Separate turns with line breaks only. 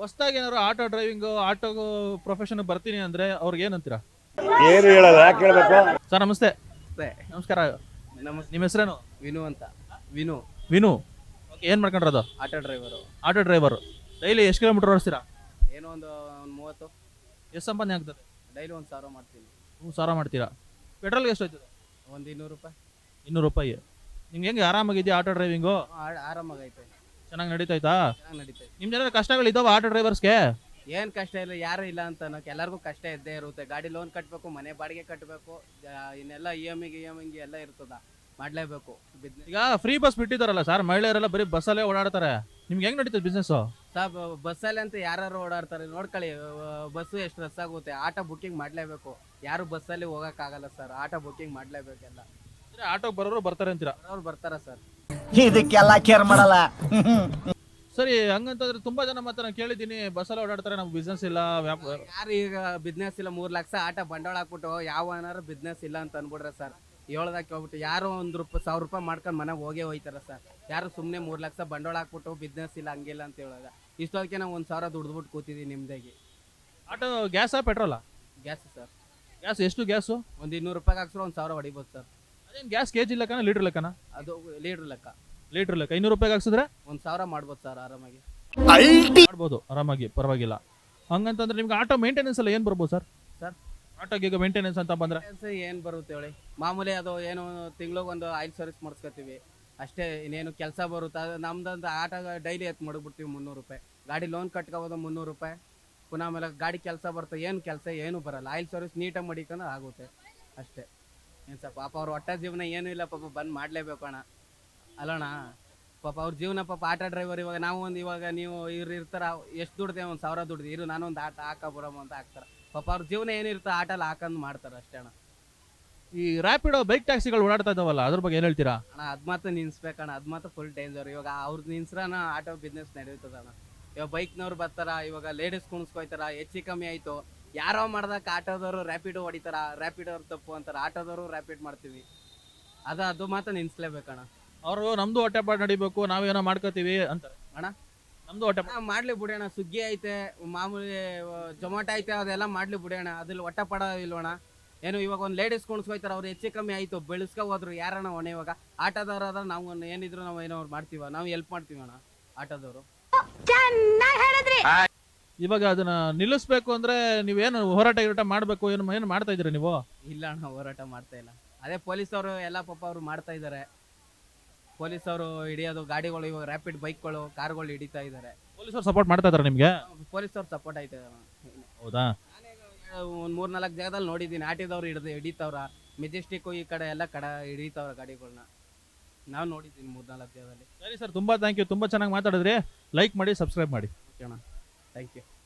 ಹೊಸದಾಗಿ ಏನಾದ್ರು auto driving auto profession ಬರ್ತೀನಿ ಅಂದ್ರೆ ಅವ್ರಿಗೆ ಏನಂತೀರಾ?
ಏನು ಹೇಳಲ್ಲ, ಯಾಕೆ ಹೇಳ್ಬೇಕು?
ಸರ್ ನಮಸ್ತೆ.
ನಮಸ್ತೆ.
ನಮಸ್ಕಾರ.
ನಮಸ್ತೆ.
ನಿಮ್ಮ ಹೆಸರೇನು?
ವಿನು ಅಂತ. ವಿನು
ವಿನು. ಓಕೆ, ಏನ್ ಮಾಡ್ಕೊಂಡ್ರದು?
Auto driver.
Auto driver. Daily ಎಷ್ಟು ಕಿಲೋಮೀಟರ್ ಓಡಿಸ್ತೀರಾ?
ಏನೋ ಒಂದು 30.
ಎಷ್ಟು ಸಂಪಾದನೆ ಆಗ್ತದೆ?
ಡೈಲಿ 1,000 ಮಾಡ್ತೀನಿ.
1000 ಮಾಡ್ತೀರಾ? ಪೆಟ್ರೋಲ್ಗೆ ಎಷ್ಟು ಹೋಯ್ತದೆ?
ಒಂದು 200 ರೂಪಾಯಿ.
200 ರೂಪಾಯಿ. ನಿಮ್ಗೆ ಹೆಂಗೆ ಆರಾಮಾಗಿದೆಯಾ ಆಟೋ ಡ್ರೈವಿಂಗು?
ಆರಾಮಾಗೈತೆ.
ಚೆನ್ನಾಗಿ ನಡೀತಾಯ್ತಾ?
ಚೆನ್ನಾಗಿ ನಡೀತೈತೆ.
ನಿಮ್ದು ಏನಾದ್ರು ಕಷ್ಟಗಳು ಇದಾವ ಆಟೋ ಡ್ರೈವರ್ಸ್ಗೆ?
ಏನು ಕಷ್ಟ ಇಲ್ಲ, ಯಾರು ಇಲ್ಲ ಅಂತ ಅನ್ನೋಕೆ ಎಲ್ಲರಿಗೂ ಕಷ್ಟ ಇದ್ದೇ ಇರುತ್ತೆ. ಗಾಡಿ ಲೋನ್ ಕಟ್ಟಬೇಕು, ಮನೆ ಬಾಡಿಗೆ ಕಟ್ಟಬೇಕು, ಇನ್ನೆಲ್ಲ ಇ ಎಮ್ ಎಲ್ಲ ಇರ್ತದ, ಮಾಡಲೇಬೇಕು ಬಿಸ್ನೆಸ್.
ಈಗ ಫ್ರೀ ಬಸ್ ಬಿಟ್ಟಿದಾರಲ್ಲ ಸರ್, ಮಹಿಳೆಯರೆಲ್ಲ ಬರೀ ಬಸ್ಸಲ್ಲೇ ಓಡಾಡ್ತಾರೆ. ನಿಮ್ಗೆ ಹೆಂಗ್ ನಡೀತದೆ ಬಿಸ್ನೆಸ್?
ಸಾಬ್ ಬಸ್ಸಲ್ಲಿ ಅಂತ ಯಾರು ಓಡಾಡ್ತಾರೆ ನೋಡ್ಕೊಳ್ಳಿ. ಬಸ್ಸು ಎಷ್ಟು ರಸ್ ಆಗುತ್ತೆ. ಆಟೋ ಬುಕ್ಕಿಂಗ್ ಮಾಡಲೇಬೇಕು. ಯಾರು ಬಸ್ಸಲ್ಲಿ ಹೋಗೋಕ್ಕಾಗಲ್ಲ ಸರ್, ಆಟೋ ಬುಕ್ಕಿಂಗ್ ಮಾಡಲೇಬೇಕೆಲ್ಲ.
ಆಟೋಗೆ ಬರೋರು ಬರ್ತಾರೆ ಅಂತೀರಾ?
ಅವ್ರು ಬರ್ತಾರ ಸರ್.
ಇದಕ್ಕೆಲ್ಲ ಕೇರ್ ಮಾಡಲ್ಲ.
ಸರಿ, ಹಂಗಂತಂದ್ರೆ ತುಂಬಾ ಜನ ಮಾತ್ರ ನಾನು ಕೇಳಿದ್ದೀನಿ ಬಸ್ಸಲ್ಲಿ ಓಡಾಡ್ತಾರೆ, ನಮ್ಗೆ ಬಿಸ್ನೆಸ್ ಇಲ್ಲ, ವ್ಯಾಪಾರ.
ಯಾರು ಈಗ ಬಿಸ್ನೆಸ್ ಇಲ್ಲ 3 ಲಕ್ಷ ಆಟೋ ಬಂಡವಾಳ ಹಾಕ್ಬಿಟ್ಟು ಯಾವ ಏನಾರು ಬಿಸ್ನೆಸ್ ಇಲ್ಲ ಅಂತ ಅನ್ಬಿಡ್ರೆ ಸರ್, ಹೇಳ್ದಾಕೆ ಹೋಗ್ಬಿಟ್ಟು ಯಾರು 1,000 ರೂಪಾಯಿ ಮಾಡ್ಕೊಂಡು ಮನೆಗೆ ಹೋಗೇ ಹೋಯ್ತಾರ ಸರ್. ಯಾರು ಸುಮ್ಮನೆ 3 ಲಕ್ಷ ಬಂಡವಾಳ ಹಾಕ್ಬಿಟ್ಟು ಬಿಸ್ನೆಸ್ ಇಲ್ಲ ಹಂಗಿಲ್ಲ ಅಂತ ಹೇಳೋದ. ಇಷ್ಟೊತ್ತಿಗೆ ನಾವು 1,000 ದುಡ್ದುಬಿಟ್ಟು ಕೂತಿದ್ದೀವಿ ನಿಮ್ದಾಗಿ.
ಆಟೋ ಗ್ಯಾಸಾ ಪೆಟ್ರೋಲಾ?
Gas sir.
ಗ್ಯಾಸ್ ಎಷ್ಟು ಗ್ಯಾಸು?
ಒಂದು 200 ರೂಪಾಯಿ ಹಾಕ್ಸ್ರೆ 1,000 ಹೊಡಿಬೋದು ಸರ್.
ಅದೇನು ಗ್ಯಾಸ್ ಕೆಜಿ ಲೆಕ್ಕನ ಲೀಟರ್ ಲೆಕ್ಕನ?
ಅದು ಲೀಟ್ರ್ ಲೆಕ್ಕ.
ಲೀಟರ್ ಲೆಕ್ಕ 200 ರೂಪಾಯಿಗೆ ಹಾಕ್ಸಿದ್ರೆ
1,000 ಮಾಡ್ಬೋದು ಸರ್ ಆರಾಮಾಗಿ.
ಮಾಡ್ಬೋದು ಆರಾಮಾಗಿ, ಪರವಾಗಿಲ್ಲ. ಹಂಗಂತಂದ್ರೆ ನಿಮ್ಗೆ ಆಟೋ ಮೇಂಟೆನೆನ್ಸ್ ಎಲ್ಲ ಏನು ಬರ್ಬೋದು ಸರ್?
ಸರ್
ಆಟೋಗೆ ಈಗ ಮೇಂಟೆನೆನ್ಸ್ ಅಂತ ಬಂದ್ರೆ
ಏನು ಬರುತ್ತೆ ಹೇಳಿ, ಮಾಮೂಲಿ ಅದು ಏನು ತಿಂಗ್ಳಿಗೊಂದು ಆಯಿಲ್ ಸರ್ವಿಸ್ ಮಾಡಿಸ್ಕೊತೀವಿ ಅಷ್ಟೇ. ಇನ್ನೇನು ಕೆಲಸ ಬರುತ್ತೆ. ಅದು ನಮ್ದಂದು ಆಟೋ ಡೈಲಿ ಎತ್ತು ಮಡಗ್ಬಿಡ್ತೀವಿ 300 ರೂಪಾಯಿ. ಗಾಡಿ ಲೋನ್ ಕಟ್ಕೋಬೋದು 300 ರೂಪಾಯಿ. ಪುನಃ ಆಮೇಲೆ ಗಾಡಿ ಕೆಲಸ ಬರುತ್ತೆ, ಏನು ಕೆಲಸ ಏನು ಬರಲ್ಲ. ಆಯಿಲ್ ಸರ್ವಿಸ್ ನೀಟಾಗಿ ಮಡಿಕೊಂಡು ಆಗುತ್ತೆ ಅಷ್ಟೇ. ಏನು ಸರ್ ಪಾಪ ಅವ್ರ ಹೊಟ್ಟೆ ಜೀವನ ಏನೂ ಇಲ್ಲ ಪಾಪ, ಬಂದು ಮಾಡಲೇಬೇಕು ಅಣ್ಣ ಅಲ್ಲಣ್ಣ. ಪಾಪ ಅವ್ರ ಜೀವನ ಪಾಪ ಆಟೋ ಡ್ರೈವರ್. ಇವಾಗ ನೀವು ಇವ್ರು ಇರ್ತಾರ, ಎಷ್ಟು ದುಡ್ದೆ 1,000 ದುಡ್ದು ಇರು ನಾನೊಂದು ಆಟ ಹಾಕಬರಮ್ಮ ಅಂತ ಹಾಕ್ತಾರೆ. ಪಾಪ ಅವ್ರ ಜೀವನ ಏನಿರುತ್ತೆ ಆಟಲ್ಲಿ ಹಾಕಂದು ಮಾಡ್ತಾರೆ ಅಷ್ಟೇ ಅಣ್ಣ.
ಈ ರ್ಯಾಪಿಡೋ ಬೈಕ್ ಟ್ಯಾಕ್ಸಿಗಳು ಓಡಾಡ್ತಾ ಇದಾವಲ್ಲ, ಅದ್ರ ಬಗ್ಗೆ ಏನು ಹೇಳ್ತೀರಾ?
ಅಣ್ಣ ಅದು ಮಾತ್ರ ನಿನ್ಸ್ಬೇಕಣ್ಣ, ಅದು ಮಾತ್ರ ಫುಲ್ ಡೇಂಜರ್. ಇವಾಗ ಅವ್ರದ್ದು ನಿನ್ಸ್ರನ ಆಟೋ ಬಿಸ್ನೆಸ್ ನಡೆಯುತ್ತದಣ್ಣ. ಇವಾಗ ಬೈಕ್ನವ್ರು ಬರ್ತಾರ, ಇವಾಗ ಲೇಡೀಸ್ ಕುಣಿಸ್ಕೊಯ್ತಾರ, ಹೆಚ್ಚು ಕಮ್ಮಿ ಆಯಿತು ಯಾರೋ ಮಾಡ್ದಕ್ಕೆ ಆಟೋದವರು ರ್ಯಾಪಿಡೋ ಹೊಡಿತಾರ, ರ್ಯಾಪಿಡೋರು ತಪ್ಪು ಅಂತಾರೆ, ಆಟೋದವರು ರ್ಯಾಪಿಡ್ ಮಾಡ್ತೀವಿ. ಅದು ಮಾತ್ರ ನಿನ್ಸ್ಲೇಬೇಕಣ್ಣ.
ಅವರು ನಮ್ದು ಹೊಟ್ಟೆಪಾಡು ನಡಿಬೇಕು, ನಾವೇನೋ ಮಾಡ್ಕೋತೀವಿ ಅಂತಾರೆ
ಅಣ್ಣ.
ನಮ್ದು ಹೊಟ್ಟೆ
ಮಾಡ್ಲಿ ಬಿಡೋಣ, ಸ್ವಿಗ್ಗಿ ಐತೆ, ಮಾಮೂಲಿ ಜೊಮ್ಯಾಟೊ ಐತೆ, ಅದೆಲ್ಲ ಮಾಡ್ಲಿ ಬಿಡೋಣ. ಅದ್ರಲ್ಲಿ ಹೊಟ್ಟೆ ಪಡ ಇಲ್ವಣ ಏನು. ಇವಾಗ ಒಂದು ಲೇಡೀಸ್ ಕುಣಿಸ್ಕೊಯ್ತಾರೆ, ಅವ್ರು ಹೆಚ್ಚು ಕಮ್ಮಿ ಆಯಿತು ಬೆಳೆಸ್ಕೊ ಹೋದ್ರು ಯಾರಣ್ಣ ಹೊಣೆ? ಇವಾಗ ಆಟೋದವ್ರು ಆದ್ರೆ ನಾವು ಏನಿದ್ರು ನಾವು ಏನೋ ಮಾಡ್ತೀವ, ನಾವು ಹೆಲ್ಪ್ ಮಾಡ್ತೀವಿ ಅಣ್ಣ ಆಟೋದವರು.
ಇವಾಗ ಅದನ್ನ ನಿಲ್ಲಿಸ್ಬೇಕು ಅಂದ್ರೆ ನೀವೇನು ಹೋರಾಟ ಮಾಡ್ಬೇಕು, ಏನು ಮಾಡ್ತಾ ಇದೀರಿ ನೀವು?
ಇಲ್ಲ ಅಣ್ಣ, ಹೋರಾಟ ಮಾಡ್ತಾ ಇಲ್ಲ. ಅದೇ ಪೊಲೀಸವರು ಎಲ್ಲ ಪಾಪ ಅವರು ಮಾಡ್ತಾ ಇದ್ದಾರೆ. ಪೊಲೀಸವರು ಹಿಡಿಯೋದು ಗಾಡಿಗಳು, ಇವಾಗ ರ್ಯಾಪಿಡ್ ಬೈಕ್ಗಳು ಕಾರ್ಗಳು ಹಿಡಿತಾ ಇದ್ದಾರೆ.
ಪೊಲೀಸರು ಸಪೋರ್ಟ್ ಮಾಡ್ತಾ ಇದಾರೆ ನಿಮ್ಗೆ?
ಪೊಲೀಸವ್ರು ಸಪೋರ್ಟ್ ಆಯ್ತಾ?
ಹೌದಾ?
ಒಂದು 3-4 ಜಾಗದಲ್ಲಿ ನೋಡಿದ್ದೀನಿ ಆಟೋದವ್ರು ಹಿಡಿತವ್ರ. ಮೆಜೆಸ್ಟಿಕ್ ಈ ಕಡೆ ಎಲ್ಲ ಹಿಡಿತವ್ರ ಗಾಡಿಗಳನ್ನ ನಾವು ನೋಡಿದ್ದೀನಿ 3-4 ಜಾಗದಲ್ಲಿ.
ಸರಿ ಸರ್, ತುಂಬಾ ಥ್ಯಾಂಕ್ ಯು, ತುಂಬಾ ಚೆನ್ನಾಗಿ ಮಾತಾಡಿದ್ರಿ. ಲೈಕ್ ಮಾಡಿ, ಸಬ್ಸ್ಕ್ರೈಬ್ ಮಾಡಿ.
ಓಕೆ ಅಣ್ಣ, ಥ್ಯಾಂಕ್ ಯು.